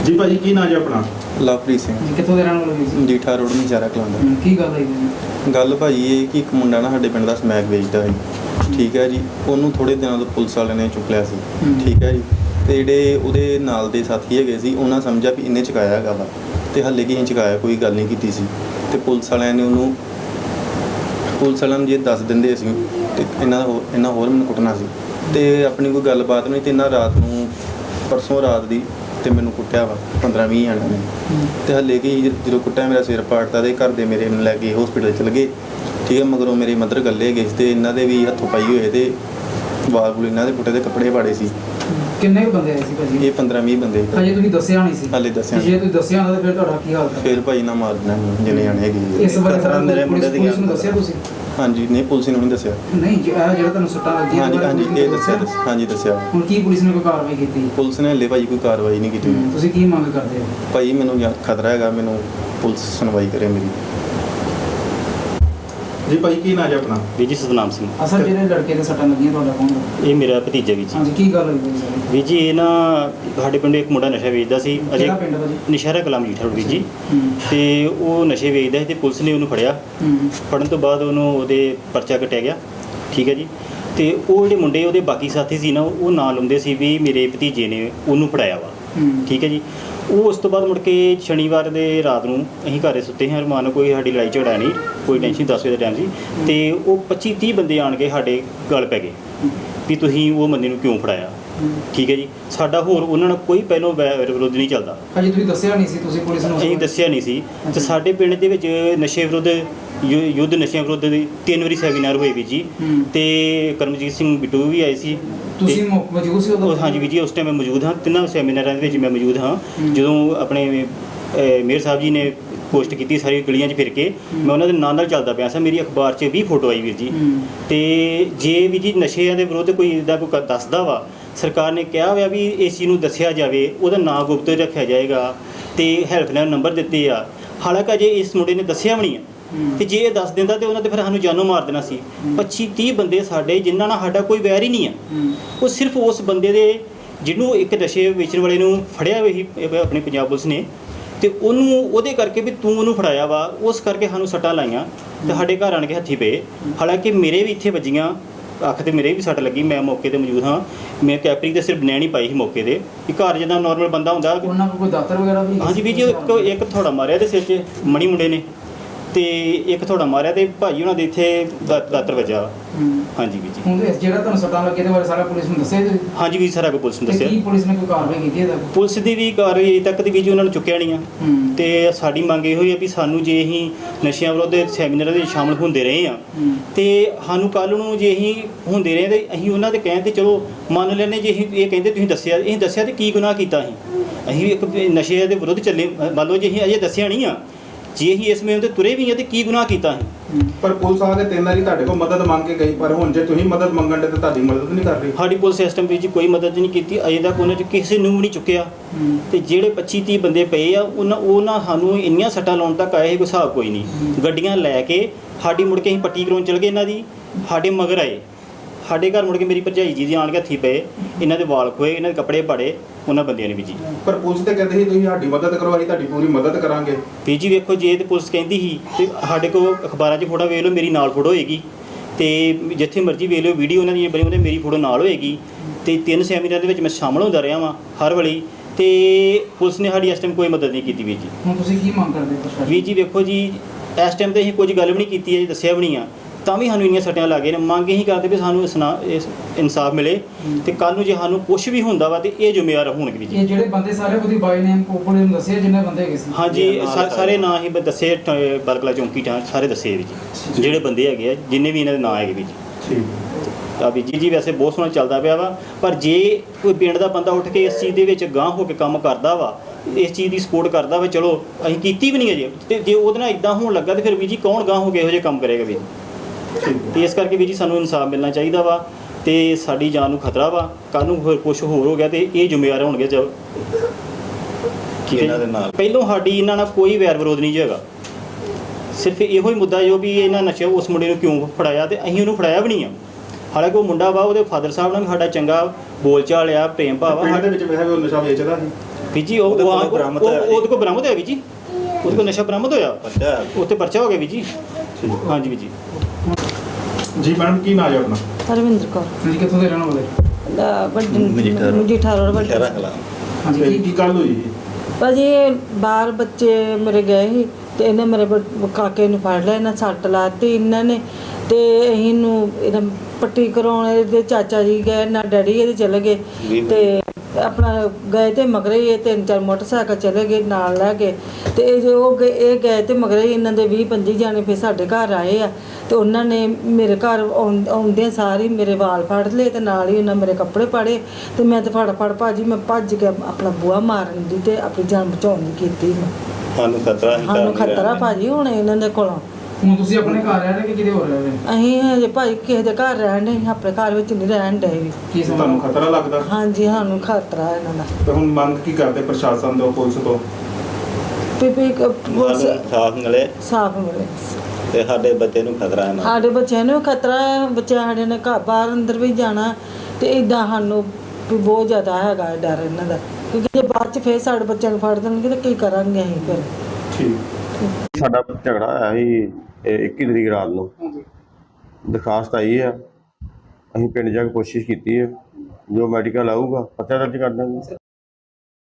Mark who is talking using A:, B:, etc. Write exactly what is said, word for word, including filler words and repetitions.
A: जी भाजी की ना जी अपना
B: ਲਵਪ੍ਰੀਤ ਸਿੰਘ
C: ਜੀ ਕਿੱਥੋਂ ਦੇ ਰਹਿਣ ਵਾਲੇ ਸੀ?
B: ਜੀਠਾ ਰੋਡ ਮਜਾਰਾ ਕਲਾਉਂਦਾ।
C: ਹਮ, ਕੀ ਗੱਲ ਹੈ ਜੀ?
B: ਗੱਲ ਭਾਈ ਇਹ ਕਿ ਇੱਕ ਮੁੰਡਾ ਨਾ ਸਾਡੇ ਪਿੰਡ ਦਾ ਸਮੈਕ ਵੇਚਦਾ ਸੀ, ਠੀਕ ਹੈ ਜੀ। ਉਹਨੂੰ ਥੋੜੇ ਦਿਨਾਂ ਤੋਂ ਪੁਲਿਸ ਵਾਲਿਆਂ ਨੇ ਚੁੱਕ ਲਿਆ ਸੀ, ਠੀਕ ਹੈ ਜੀ। ਤੇ ਜਿਹੜੇ ਉਹਦੇ ਨਾਲ ਦੇ ਸਾਥੀ ਹੈਗੇ ਸੀ ਉਹਨਾਂ ਸਮਝਿਆ ਵੀ ਇਹਨੇ ਚੁਕਾਇਆ ਹੈਗਾ ਵਾ, ਤੇ ਹੱਲੇ ਕੀ ਚੁਕਾਇਆ ਕੋਈ ਗੱਲ ਨਹੀਂ ਕੀਤੀ ਸੀ। ਤੇ ਪੁਲਿਸ ਵਾਲਿਆਂ ਨੇ ਉਹਨੂੰ ਪੁਲਿਸ ਵਾਲਿਆਂ ਨੂੰ ਜੇ ਦੱਸ ਦਿੰਦੇ ਅਸੀਂ ਤੇ ਇਹਨਾਂ ਹੋ ਇਹਨਾਂ ਹੋਰ ਮੈਨੂੰ ਕੁੱਟਣਾ ਸੀ। ਤੇ ਆਪਣੀ ਕੋਈ ਗੱਲਬਾਤ ਨਹੀਂ, ਤੇ ਇਹਨਾਂ ਰਾਤ ਨੂੰ ਪਰਸੋਂ ਰਾਤ ਦੀ ਤੇ ਮੈਨੂੰ ਕੁੱਟਿਆ ਵਾ ਪੰਦਰਾਂ ਵੀਹ ਜਣਿਆਂ ਨੇ। ਤੇ ਹੱਲੇ ਕਿ ਜਦੋਂ ਕੁੱਟਿਆ ਮੇਰਾ ਸਿਰ ਪਾੜਤਾ ਤੇ ਘਰ ਦੇ ਮੇਰੇ ਮੈਨੂੰ ਲੈ ਕੇ ਹਸਪੀਟਲ ਚਲੇ ਗਏ, ਠੀਕ ਹੈ। ਮਗਰੋਂ ਮੇਰੇ ਮਦਰ ਗੱਲੇ ਗਏ ਸੀ ਤੇ ਇਹਨਾਂ ਦੇ ਵੀ ਹੱਥੋਂ ਪਾਈ ਹੋਏ ਤੇ ਵਾਲ ਵੂਲ ਇਹਨਾਂ ਦੇ ਪੁੱਟੇ ਦੇ ਕੱਪੜੇ ਪਾੜੇ ਸੀ।
C: ਕਿੰਨੇ ਕੁ ਬੰਦੇ ਆਏ ਸੀ ਭਾਜੀ?
B: ਇਹ ਪੰਦਰਾਂ ਵੀਹ ਬੰਦੇ
C: ਹਜੇ ਤੁਸੀਂ ਦੱਸਿਆ ਨਹੀਂ ਸੀ?
B: ਹਾਲੇ ਦੱਸਿਆ
C: ਜੇ ਤੁਸੀਂ ਦੱਸਿਆ ਹੁੰਦਾ ਤਾਂ ਫਿਰ ਤੁਹਾਡਾ ਕੀ ਹਾਲ ਕਰਦਾ?
B: ਫਿਰ ਭਾਈ ਨਾ ਮਾਰ ਦੇਣਾ ਮੈਨੂੰ, ਜਿੰਨੇ ਜਾਣੇ ਹੈਗੇ।
C: ਇਸ ਬਾਰੇ
B: ਖਤਰਾ ਮੇਰੇ ਮੁੰਡੇ ਦੀ
C: ਪੁਲਿਸ ਨੂੰ ਦੱਸਿਆ ਤੁਸੀਂ?
B: ਹਾਂਜੀ ਨਹੀਂ, ਪੁਲਿਸ ਨੇ ਨਹੀਂ ਦੱਸਿਆ।
C: ਨਹੀਂ ਜੀ, ਇਹ ਜਿਹੜਾ ਤੁਹਾਨੂੰ ਸੱਟਾਂ ਲੱਗੀਆਂ
B: ਹਾਂਜੀ
C: ਇਹਦੇ ਬਾਰੇ
B: ਹਾਂਜੀ
C: ਪੁਲਿਸ
B: ਇਹ
C: ਨੂੰ
B: ਦੱਸਿਆ ਦੱਸਿਆ- ਹਾਂਜੀ ਦੱਸਿਆ।
C: ਹੁਣ ਕੀ ਪੁਲਿਸ ਨੇ ਕੋਈ ਕਾਰਵਾਈ ਕੀਤੀ?
B: ਪੁਲਿਸ ਨੇ ਹਲੇ ਭਾਈ ਕੋਈ ਕਾਰਵਾਈ ਨਹੀਂ ਕੀਤੀ।
C: ਹਮ, ਤੁਸੀਂ ਕੀ ਮੰਗ ਕਰਦੇ ਹੋ?
B: ਭਾਈ ਮੈਨੂੰ ਜਾਂ ਖਤਰਾ ਹੈਗਾ, ਮੈਨੂੰ ਪੁਲਿਸ ਸੁਣਵਾਈ ਕਰੇ ਮੇਰੀ।
A: जी भाई की ना जी अपना
D: ਵੀਰ ਜੀ ਸਤਨਾਮ ਸਿੰਘ,
C: ਅਸਲ ਜਿਹੜੇ ਲੜਕੇ ਦੇ ਸੱਟਾਂ ਲੱਗੀਆਂ ਤੁਹਾਡਾ ਕੌਣ ਹੈ?
D: ਇਹ ਮੇਰਾ ਭਤੀਜਾ ਵੀਰ ਜੀ।
C: ਹਾਂਜੀ, ਕੀ ਗੱਲ ਹੋਈ ਹੈ ਸਰ?
D: ਵੀਰ ਜੀ ਇਹ ਨਾ ਸਾਡੇ ਪਿੰਡ ਇੱਕ ਮੁੰਡਾ ਨਸ਼ਾ ਵੇਚਦਾ ਸੀ, ਅਜੇ
C: ਕਿਹੜਾ ਪਿੰਡ ਭਾਜੀ?
D: ਨਸ਼ਹਿਰਾ ਕਲਾਮ ਜੀਠਾ ਰੋਡ ਵੀਰ ਜੀ।
C: ਹਮ,
D: ਤੇ ਉਹ ਨਸ਼ੇ ਵੇਚਦਾ ਸੀ ਤੇ ਪੁਲਿਸ ਨੇ ਉਹਨੂੰ ਫੜਿਆ।
C: ਹਮ,
D: ਫੜਨ ਤੋਂ ਬਾਅਦ ਉਹਨੂੰ ਉਹਦੇ ਪਰਚਾ ਕਟਿਆ ਗਿਆ, ਠੀਕ ਹੈ ਜੀ। ਤੇ ਉਹ ਜਿਹੜੇ ਮੁੰਡੇ ਉਹਦੇ ਬਾਕੀ ਸਾਥੀ ਸੀ ਨਾ, ਉਹ ਨਾਲ ਲਾਉਂਦੇ ਸੀ ਵੀ ਮੇਰੇ ਭਤੀਜੇ ਨੇ ਉਹਨੂੰ ਫੜਾਇਆ ਵਾ,
C: ਹਮ,
D: ਠੀਕ ਹੈ ਜੀ। ਉਹ ਉਸ ਤੋਂ ਬਾਅਦ ਮੁੜ ਕੇ ਸ਼ਨੀਵਾਰ ਦੇ ਰਾਤ ਨੂੰ ਅਸੀਂ ਘਰੇ ਸੁੱਤੇ ਹਾਂ, ਰਮਾਨ ਕੋਈ ਸਾਡੀ ਲੜਾਈ ਝਗੜਾ ਨਹੀਂ, ਕੋਈ ਟੈਨਸ਼ਨ। ਦਸ ਵਜੇ ਦਾ ਟਾਈਮ ਸੀ ਤੇ ਉਹ ਪੱਚੀ ਤੀਹ ਬੰਦੇ ਆਣ ਕੇ ਸਾਡੇ ਗੱਲ ਪੈ ਗਏ ਵੀ ਤੁਸੀਂ ਉਹ ਬੰਦੇ ਨੂੰ ਕਿਉਂ ਫੜਾਇਆ, ਠੀਕ ਹੈ ਜੀ। ਸਾਡਾ ਹੋਰ ਉਹਨਾਂ ਨਾਲ ਕੋਈ ਪਹਿਲੋਂ ਵੈਰ ਵਿਰੋਧ ਨਹੀਂ ਚੱਲਦਾ।
C: ਹਜੇ ਤੁਸੀਂ ਦੱਸਿਆ ਨਹੀਂ ਸੀ? ਤੁਸੀਂ ਪੁਲਿਸ ਨੂੰ
D: ਅਸੀਂ ਦੱਸਿਆ ਨਹੀਂ ਸੀ। ਤੇ ਸਾਡੇ ਪਿੰਡ ਦੇ ਵਿੱਚ ਨਸ਼ੇ ਵਿਰੁੱਧ ਯੁ- ਯੁੱਧ ਨਸ਼ਿਆਂ ਵਿਰੁੱਧ ਦੀ ਤਿੰਨ ਵਾਰੀ ਸੈਮੀਨਾਰ ਹੋਏ ਵੀ ਜੀ।
C: ਹਮ,
D: ਤੇ ਕਰਮਜੀਤ ਸਿੰਘ ਬਿੱਟੂ ਵੀ ਆਏ ਸੀ।
C: ਤੁਸੀਂ
D: ਤੇ-
C: ਮੌ- ਮੌਜੂਦ ਸੀ
D: ਉਹ
C: ਉਦੋਂ?
D: ਹਾਂਜੀ ਵੀ ਜੀ, ਉਸ ਟਾਈਮ ਮੈਂ ਮੌਜੂਦ ਹਾਂ, ਤਿੰਨਾਂ ਸੈਮੀਨਾਰਾਂ ਦੇ ਵਿੱਚ ਮੈਂ ਮੌਜੂਦ ਹਾਂ।
C: ਹਮ।
D: ਜਦੋਂ ਆਪਣੇ ਅਹ, ਮੇਅਰ ਸਾਹਿਬ ਜੀ ਨੇ ਪੋਸਟ ਕੀਤੀ ਸਾਰੀ ਗਲੀਆਂ 'ਚ ਫਿਰ ਕੇ,
C: ਹਮ।
D: ਮੈਂ ਉਹਨਾਂ ਦੇ ਨਾਲ ਨਾਲ ਚੱਲਦਾ ਪਿਆ ਸਾਂ। ਮੇਰੀ ਅਖਬਾਰ 'ਚ ਵੀ ਫੋਟੋ ਆਈ ਵੀਰ ਜੀ।
C: ਹਮ,
D: ਤੇ ਜੇ ਵੀ ਜੀ ਨਸ਼ਿਆਂ ਦੇ ਵਿਰੁੱਧ ਕੋਈ ਇੱਦਾਂ ਕੋਈ ਕ- ਦੱਸਦਾ ਵਾ, ਸਰਕਾਰ ਨੇ ਕਿਹਾ ਹੋਇਆ ਵੀ ਇਸ ਚੀਜ਼ ਨੂੰ ਦੱਸਿਆ ਜਾਵੇ, ਉਹਦਾ ਨਾਂ ਗੁਪਤ ਰੱਖਿਆ ਜਾਏਗਾ ਤੇ ਹੈਲਪਲਾਈਨ ਨੰਬਰ ਦਿੱਤੇ ਆ। ਹਾਲਾਂਕਿ ਜੇ ਇਸ ਮੁੰਡੇ ਨੇ ਦੱਸਿਆ ਵੀ ਨਹੀਂ ਆ,
C: ਹਮ,
D: ਤੇ ਜੇ ਇਹ ਦੱਸ ਦਿੰਦਾ ਤੇ ਉਹਨਾਂ ਤੇ ਫਿਰ ਸਾਨੂੰ ਜਾਨੋਂ ਮਾਰ ਦੇਣਾ ਸੀ। ਪੱਚੀ ਤੀਹ ਬੰਦੇ ਸਾਡੇ ਜਿਨ੍ਹਾਂ ਨਾਲ ਸਾਡਾ ਕੋਈ ਵੈਰ ਹੀ ਨਹੀਂ ਆ।
C: ਹਮ,
D: ਉਹ ਸਿਰਫ ਉਸ ਬੰਦੇ ਦੇ ਜਿਹਨੂੰ ਇੱਕ ਨਸ਼ੇ ਵੇਚਣ ਵਾਲੇ ਨੂੰ ਫੜਿਆ ਹੋਇਆ ਸੀ ਇਹ ਆਪਣੀ ਪੰਜਾਬ ਪੁਲਿਸ ਨੇ, ਤੇ ਉਹਨੂੰ ਉਹਦੇ ਕਰਕੇ ਵੀ ਤੂੰ ਉਹਨੂੰ ਫੜਾਇਆ ਵਾ, ਉਸ ਕਰਕੇ ਸਾਨੂੰ ਸੱਟਾਂ ਲਾਈਆਂ ਤੇ ਸਾਡੇ ਘਰ ਆਣ ਕੇ ਹੱਥੀ ਪਏ। ਹਾਲਾਂਕਿ ਮੇਰੇ ਵੀ ਇੱਥੇ ਵੱਜੀਆਂ, ਅੱਖ ਤੇ ਮੇਰੇ ਵੀ ਸੱਟ ਲੱਗੀ, ਮੈਂ ਮੌਕੇ ਤੇ ਮੌਜੂਦ ਹਾਂ। ਮੈਂ ਕੈਪਰੀ ਤੇ ਸਿਰਫ ਬਨੈਣ ਹੀ ਪਾਈ ਸੀ ਮੌਕੇ ਤੇ, ਕਿ ਘਰ ਜਿੱਦਾਂ ਨਾਰਮਲ ਬੰਦਾ ਹੁੰਦਾ।
C: ਉਹਨਾਂ ਕੋਲ ਕੋਈ ਦਾਤਰ ਵਗੈਰਾ ਵੀ?
D: ਹਾਂਜੀ ਵੀ ਜੀ, ਇੱਕ ਇੱਕ ਥੋੜਾ ਮਾਰਿਆ ਤੇ ਸਿਰ 'ਚ ਮਣੀ ਮੁੰਡੇ ਨੇ, ਤੇ ਇੱਕ ਥੋੜਾ ਮਾਰਿਆ ਤੇ ਭਾਈ ਉਹਨਾਂ ਦੇ ਇੱਥੇ ਦਾ- ਦਾਤਰ ਵੱਜਾ।
C: ਹਮ,
D: ਹਾਂਜੀ ਵੀ ਜੀ।
C: ਹੁਣ ਇਹ ਜਿਹੜਾ ਤੁਹਾਨੂੰ ਸੱਟਾਂ ਲੱਗੇ ਇਹਦੇ ਬਾਰੇ ਸਾਰਾ ਪੁਲਿਸ ਨੂੰ ਦੱਸਿਆ ਜੀ?
D: ਹਾਂਜੀ ਵੀ ਸਾਰਾ ਕੁਝ ਪੁਲਿਸ ਨੂੰ
C: ਤੇ
D: ਦੱਸਿਆ।
C: ਕੀ ਪੁਲਿਸ ਨੇ ਕੋਈ ਕਾਰਵਾਈ ਕੀਤੀ ਇਹਦਾ?
D: ਪੁਲਿਸ ਦੀ ਵੀ ਕਾਰਵਾਈ ਅਜੇ ਤੱਕ ਦੀ ਵੀ ਜੀ ਉਹਨਾਂ ਨੂੰ ਚੁੱਕਿਆ ਨਹੀਂ ਆ।
C: ਹਮ,
D: ਤੇ ਸਾਡੀ ਮੰਗ ਇਹ ਹੋਈ ਆ ਵੀ ਸਾਨੂੰ ਜੇ ਅਸੀਂ ਨਸ਼ਿਆਂ ਵਿਰੁੱਧ ਸੈਮੀਨਾਰਾਂ ਦੇ ਵਿੱਚ ਸ਼ਾਮਲ ਹੁੰਦੇ ਰਹੇ ਆ,
C: ਹਮ,
D: ਤੇ ਸਾਨੂੰ ਕੱਲ੍ਹ ਨੂੰ ਜੇ ਅਸੀਂ ਹੁੰਦੇ ਰਹੇ ਤੇ ਅਸੀਂ ਉਹਨਾਂ ਦੇ ਕਹਿਣ ਤੇ ਚਲੋ ਮੰਨ ਲੈਂਦੇ। ਜੇ ਅਸੀਂ ਇਹ ਕਹਿੰਦੇ ਤੁਸੀਂ ਦੱਸਿਆ, ਅਸੀਂ ਦੱਸਿਆ ਤੇ ਕੀ ਗੁਨਾਹ ਕੀਤਾ ਅਸੀਂ? ਅਸੀਂ ਇੱਕ ਨਸ਼ੇ ਦੇ ਵਿਰੁੱਧ ਚੱਲੇ, ਮੰਨ ਲਓ ਜੇ ਅਸੀਂ ਅਜੇ ਦੱਸਿਆ ਨਹੀਂ ਆ, ਜੇ ਅਸੀਂ ਇਸ ਮੇਂ ਤੇ ਤੁਰੇ ਵੀ ਆ ਤੇ ਕੀ ਗੁਨਾਹ ਕੀਤਾ ਅਸੀਂ?
A: पर पुलिस आ के तीन वारी ਤੁਹਾਡੇ ਕੋਲ ਮਦਦ ਮੰਗ ਕੇ ਗਈ, ਪਰ ਹੁਣ ਜੇ ਤੁਸੀਂ ਮਦਦ ਮੰਗਣ ਦੇ ਤਾਂ ਤੁਹਾਡੀ ਮਦਦ ਨਹੀਂ ਕਰ ਰਹੀ।
D: ਸਾਡੀ ਪੁਲਿਸ ਸਿਸਟਮ ਵਿੱਚ ਕੋਈ ਮਦਦ ਨਹੀਂ ਕੀਤੀ ਅਜੇ ਤੱਕ, ਉਹਨਾਂ 'ਚ ਕਿਸੇ ਨੂੰ ਵੀ ਨਹੀਂ ਚੁੱਕਿਆ।
C: ਹਮ,
D: ਤੇ ਜਿਹੜੇ ਪੱਚੀ ਤੀਹ ਬੰਦੇ ਪਏ ਆ ਉਹਨਾਂ ਉਹਨਾਂ ਸਾਨੂੰ ਇੰਨੀਆਂ ਸੱਟਾਂ ਲਾਉਣ ਤੱਕ ਆਏ ਸੀ, ਕੋਈ ਹਿਸਾਬ ਕੋਈ ਨਹੀਂ। ਗੱਡੀਆਂ ਲੈ ਕੇ ਸਾਡੀ ਮੁੜ ਕੇ ਅਸੀਂ ਪੱਟੀ ਕਰਾਉਣ ਚਲ ਗਏ, ਇਹਨਾਂ ਦੀ ਸਾਡੇ ਮਗਰ ਆਏ। ਸਾਡੇ ਘਰ ਮੁੜ ਕੇ ਮੇਰੀ ਭਰਜਾਈ ਜੀ ਦੀ ਆਣ ਕੇ ਹੱਥੀ ਪਏ, ਇਹਨਾਂ ਦੇ ਵਾਲ ਖੋਏ, ਇਹਨਾਂ ਦੇ ਕੱਪੜੇ ਪਾੜੇ ਉਹਨਾਂ ਬੰਦਿਆਂ ਨੇ ਵੀ ਜੀ।
A: ਪਰ ਪੁਲਿਸ ਤੇ ਕਹਿੰਦੇ ਸੀ ਤੁਸੀਂ ਸਾਡੀ ਮਦਦ ਕਰੋ, ਅਸੀਂ ਤੁਹਾਡੀ ਪੂਰੀ ਮਦਦ ਕਰਾਂਗੇ।
D: ਵੀ ਜੀ ਵੇਖੋ, ਜੇ ਤੇ ਪੁਲਿਸ ਕਹਿੰਦੀ ਸੀ ਤੇ ਸਾਡੇ ਕੋਲ ਅਖਬਾਰਾਂ 'ਚ ਫੋਟੋ ਵੇਖ ਲਓ, ਮੇਰੀ ਨਾਲ ਫੋਟੋ ਹੋਏਗੀ, ਤੇ ਜਿੱਥੇ ਮਰਜ਼ੀ ਵੇਖ ਲਓ ਵੀਡੀਓ ਉਹਨਾਂ ਦੀ ਬਣੀ ਉਹਦੇ ਮੇਰੀ ਫੋਟੋ ਨਾਲ ਹੋਏਗੀ। ਤੇ ਤਿੰਨ ਸੈਮੀਨਾਰ ਦੇ ਵਿੱਚ ਮੈਂ ਸ਼ਾਮਲ ਹੁੰਦਾ ਰਿਹਾ ਵਾਂ ਹਰ ਵੇਲੇ, ਤੇ ਪੁਲਿਸ ਨੇ ਸਾਡੀ ਇਸ ਟਾਈਮ ਕੋਈ ਮਦਦ ਨਹੀਂ ਕੀਤੀ ਵੀਰ ਜੀ।
C: ਹੁਣ ਤੁਸੀਂ ਕੀ ਮੰਗ ਕਰਦੇ ਹੋ ਪ੍ਰਸ਼ਾਸਨ?
D: ਵੀਰ ਜੀ ਵੇਖੋ ਜੀ, ਇਸ ਟਾਈਮ ਤੇ ਅਸੀਂ ਕੁਝ ਗੱਲ ਵੀ ਨਹੀਂ ਕੀਤੀ ਹੈ ਜੀ, ਦੱਸਿਆ ਵੀ ਨਹੀਂ ਆ, ਤਾਂ ਵੀ ਸਾਨੂੰ ਇੰਨੀਆਂ ਸੱਟਾਂ ਲੱਗ ਗਏ ਨੇ। ਮੰਗ ਇਹੀ ਕਰਦੇ ਵੀ ਸਾਨੂੰ ਇਸਨਾ- ਇਸ ਇਨਸਾਫ ਮਿਲੇ, ਤੇ ਕੱਲ੍ਹ ਨੂੰ ਜੇ ਸਾਨੂੰ ਕੁਝ ਵੀ ਹੁੰਦਾ ਵਾ ਤੇ ਇਹ ਜ਼ਿੰਮੇਵਾਰ ਹੋਣਗੇ ਵੀਰ ਜੀ।
C: ਇਹ ਜਿਹੜੇ ਬੰਦੇ ਸਾਰੇ ਉਹਦੀ ਬਾਈ ਨੇਮ ਪੁਲਿਸ ਨੂੰ ਦੱਸਿਆ ਜਿੰਨੇ ਬੰਦੇ ਹੈਗੇ ਸੀ?
D: ਹਾਂਜੀ ਸਾ- ਸਾਰੇ ਨਾਂ ਹੀ ਬ- ਦੱਸੇ, ਟ- ਬਰਕਲਾ ਚੌਂਕੀ ਠਾਂ ਸਾਰੇ ਦੱਸੇ ਵੀ ਜੀ, ਜਿਹੜੇ ਬੰਦੇ ਹੈਗੇ ਆ ਜਿੰਨੇ ਵੀ ਇਹਨਾਂ ਦੇ ਨਾਂ ਹੈਗੇ ਵੀ ਜੀ।
A: ਠੀਕ।
D: ਆ ਵੀ ਜੀ ਜੀ ਵੈਸੇ ਬਹੁਤ ਸੋਹਣਾ ਚੱਲਦਾ ਪਿਆ ਵਾ, ਪਰ ਜੇ ਕੋਈ ਪਿੰਡ ਦਾ ਬੰਦਾ ਉੱਠ ਕੇ ਇਸ ਚੀਜ਼ ਦੇ ਵਿੱਚ ਗਾਂਹ ਹੋ ਕੇ ਕੰਮ ਕਰਦਾ ਵਾ, ਇਸ ਚੀਜ਼ ਦੀ ਸਪੋਰਟ ਕਰਦਾ ਵਾ, ਚਲੋ ਅਸੀਂ ਕੀਤੀ ਵੀ ਨਹੀਂ ਅਜੇ, ਤੇ ਜੇ ਉਹਦੇ ਨਾਲ ਇਦਾਂ ਹੋਣ ਲੱਗਾ ਤੇ ਫਿਰ ਵੀ ਜੀ ਕੌਣ ਗਾਂਹ ਹੋ ਕੇ ਇਹੋ ਜਿਹੇ ਕੰਮ ਕਰੇਗਾ ਵੀ? ਤੇ ਇਸ ਕਰਕੇ ਵੀ ਜੀ ਸਾਨੂੰ ਇਨਸਾਫ ਮਿਲਣਾ ਚਾਹੀਦਾ ਵਾ, ਤੇ ਸਾਡੀ ਜਾਨ ਨੂੰ ਖਤਰਾ ਵਾ। ਕੱਲ੍ਹ ਨੂੰ ਹੋਰ ਕੁਝ ਹੋਰ ਹੋ ਗਿਆ ਤੇ ਇਹ ਜ਼ਿੰਮੇਵਾਰ ਹੋਣਗੇ ਜਦ ਠੀਕ ਹੈ
B: ਇਹਨਾਂ ਦੇ
D: ਜੀ।
B: ਨਾਲ
D: ਪਹਿਲੋਂ ਸਾਡੀ ਇਹਨਾਂ ਨਾਲ ਕੋਈ ਵੈਰ ਵਿਰੋਧ ਨਹੀਂ ਹੈਗਾ, ਸਿਰਫ ਇਹੋ ਹੀ ਮੁੱਦਾ ਜੋ ਵੀ ਇਹਨਾਂ ਨਸ਼ੇ ਉਸ ਮੁੰਡੇ ਨੂੰ ਕਿਉਂ ਫੜਾਇਆ, ਤੇ ਅਸੀਂ ਉਹਨੂੰ ਫੜਾਇਆ ਵੀ ਨਹੀਂ ਆ। ਹਾਲਾਂਕਿ ਉਹ ਮੁੰਡਾ ਵਾ, ਉਹਦੇ ਫਾਦਰ ਸਾਹਿਬ ਨਾਲ ਵੀ ਸਾਡਾ ਚੰਗਾ ਬੋਲ ਚਾਲ ਆ, ਪ੍ਰੇਮ ਭਾਵ ਆ।
A: ਪਿੰਡ ਦੇ ਵਿੱਚ ਵੈਸੇ ਵੀ ਉਹ ਨਸ਼ਾ ਵੇਚਦਾ ਸੀ।
D: ਵੀ ਜੀ ਉਹ
B: ਉਹਦੇ ਕੋਲ
D: ਉਹ-
B: ਬਰਾਮਦ
D: ਉਹ-
B: ਹੋਇਆ ਜੀ।
D: ਉਹਦੇ ਕੋਲ ਬਰਾਮਦ ਹੋਇਆ ਵੀ ਜੀ ਉਹਦੇ ਕੋਲ ਨਸ਼ਾ ਬਰਾਮਦ ਹੋਇਆ
B: ਅੱਛਾ
D: ਉੱਤੇ ਪਰਚਾ ਹੋ ਗਿਆ ਵੀ ਜੀ ਹਾਂਜੀ ਵੀ ਜੀ
A: ਜੀ ਮੈਡਮ ਕੀ ਨਾਂ ਹੈ ਆਪਣਾ?
E: ਹਰਵਿੰਦਰ ਕੌਰ
C: ਤੁਸੀਂ ਕਿੱਥੋਂ ਦੇ ਰਹਿਣ ਵਾਲੇ?
E: ਦਾ ਵੱਡੀ
B: ਮਜੀਠਾ ਰੋਡ।
E: ਮਜੀਠਾ ਰੋਡ ਵੱਡੀ
B: ਖੈਰਾ ਕਲਾਂ
C: ਹਾਂਜੀ
A: ਕੀ
C: ਕੀ
A: ਕੀ ਗੱਲ ਹੋਈ ਜੀ?
E: ਭਾਜੀ ਇਹ ਬਾਹਰ ਬੱਚੇ ਮੇਰੇ ਗਏ ਸੀ ਤੇ ਇਹਨੇ ਮੇਰੇ ਬ- ਕਾਕੇ ਨੂੰ ਫੜ ਲਿਆ, ਇਹਨਾਂ ਸੱਟ ਲਾਤੀ ਇਹਨਾਂ ਨੇ ਤੇ ਅਸੀਂ ਨੂੰ ਇਹਦਾ ਪੱਟੀ ਕਰਾਉਣ ਇਹਦੇ ਚਾਚਾ ਜੀ ਗਏ ਨਾ ਡੈਡੀ ਇਹਦੇ ਚਲੇ ਗਏ ਤੇ ਆਪਣਾ ਗਏ ਤੇ ਮਗਰੇ ਹੀ ਇਹ ਤਿੰਨ ਚਾਰ ਮੋਟਰਸਾਈਕਲ ਚਲੇ ਗਏ ਨਾਲ ਲੈ ਕੇ ਤੇ ਇਹ ਜੋ ਉਹ ਗਏ- ਇਹ ਗਏ ਤੇ ਮਗਰੇ ਹੀ ਇਹਨਾਂ ਦੇ ਵੀਹ ਪੰਜੀ ਜਾਣੇ ਫਿਰ ਸਾਡੇ ਘਰ ਆਏ ਆ ਤੇ ਉਹਨਾਂ ਨੇ ਮੇਰੇ ਘਰ ਆਉਂ- ਆਉਂਦਿਆਂ ਸਾਰੀ ਮੇਰੇ ਵਾਲ ਫੜ ਲਏ ਤੇ ਨਾਲ ਹੀ ਉਹਨਾਂ ਮੇਰੇ ਕੱਪੜੇ ਪਾੜੇ ਤੇ ਮੈਂ ਤੇ ਫੜ ਫੜ ਭਾਜੀ ਮੈਂ ਭੱਜ ਕੇ ਆਪਣਾ ਬੂਹਾ ਮਾਰਨ ਦੀ ਤੇ ਆਪਣੀ ਜਾਨ ਬਚਾਉਣ ਦੀ ਕੀਤੀ ਮੈਂ।
B: ਸਾਨੂੰ ਖਤਰਾ ਸੀ
E: ਸਾਨੂੰ ਖਤਰਾ ਭਾਜੀ ਹੁਣ ਇਹਨਾਂ ਦੇ ਕੋਲੋਂ
C: ਹੁਣ ਤੁਸੀਂ ਆਪਣੇ ਘਰ ਰਹਿ ਰਹੇ ਕਿ ਕਿਤੇ ਹੋਰ ਰਹਿ ਰਹੇ?
E: ਅਸੀਂ ਹਜੇ ਭਾਈ ਕਿਸੇ ਦੇ ਘਰ ਰਹਿਣ ਦੇ ਆਪਣੇ ਘਰ ਵਿੱਚ ਨਹੀਂ ਰਹਿਣ ਦੇ ਵੀ
C: ਕੀ
A: ਤੁਹਾਨੂੰ
C: ਸਮਝ
A: ਖਤਰਾ ਲੱਗਦਾ?
E: ਹਾਂਜੀ ਸਾਨੂੰ ਖਤਰਾ ਇਹਨਾਂ ਦਾ
A: ਤੇ ਹੁਣ ਮੰਗ ਕੀ ਕਰਦੇ ਪ੍ਰਸ਼ਾਸਨ ਤੋਂ, ਪੁਲਿਸ ਤੋਂ?
E: ਪੀਪੀ
B: ਸਾਨੂੰ ਸਾਫ ਮਿਲੇ
E: ਸਾਫ ਮਿਲੇ
B: ਤੇ ਸਾਡੇ ਬੱਚੇ ਨੂੰ ਖਤਰਾ ਹੈ ਨਾ
E: ਸਾਡੇ ਬੱਚਿਆਂ ਨੂੰ ਵੀ ਖਤਰਾ ਹੈ, ਬੱਚੇ ਸਾਡੇ ਨੇ ਘਰ ਬਾਹਰ ਅੰਦਰ ਵੀ ਜਾਣਾ ਤੇ ਇਦਾਂ ਸਾਨੂੰ ਵੀ ਬਹੁਤ ਜ਼ਿਆਦਾ ਹੈਗਾ ਹੈ ਡਰ ਇਹਨਾਂ ਦਾ ਕਿਉਂਕਿ ਜੇ ਬਾਅਦ ਚ ਫੇਰ ਸਾਡੇ ਬੱਚਿਆਂ ਨੂੰ ਫੜ ਦੇਣਗੇ ਤਾਂ ਕੀ ਕਰਾਂਗੇ ਅਸੀਂ ਫਿਰ
A: ਠੀਕ।
F: ਸਾਡਾ ਝਗੜਾ ਹੋਇਆ ਸੀ ਇਹ ਇੱਕੀ ਤਰੀਕ ਰਾਤ ਨੂੰ। ਦਰਖਾਸਤ ਆਈ ਹੈ, ਅਸੀਂ ਪਿੰਡ ਜਾ ਕੇ ਕੋਸ਼ਿਸ਼ ਕੀਤੀ ਹੈ, ਜੋ ਮੈਡੀਕਲ ਆਊਗਾ ਪਤਾ ਦਰਜ ਕਰ ਦਾਂਗੇ।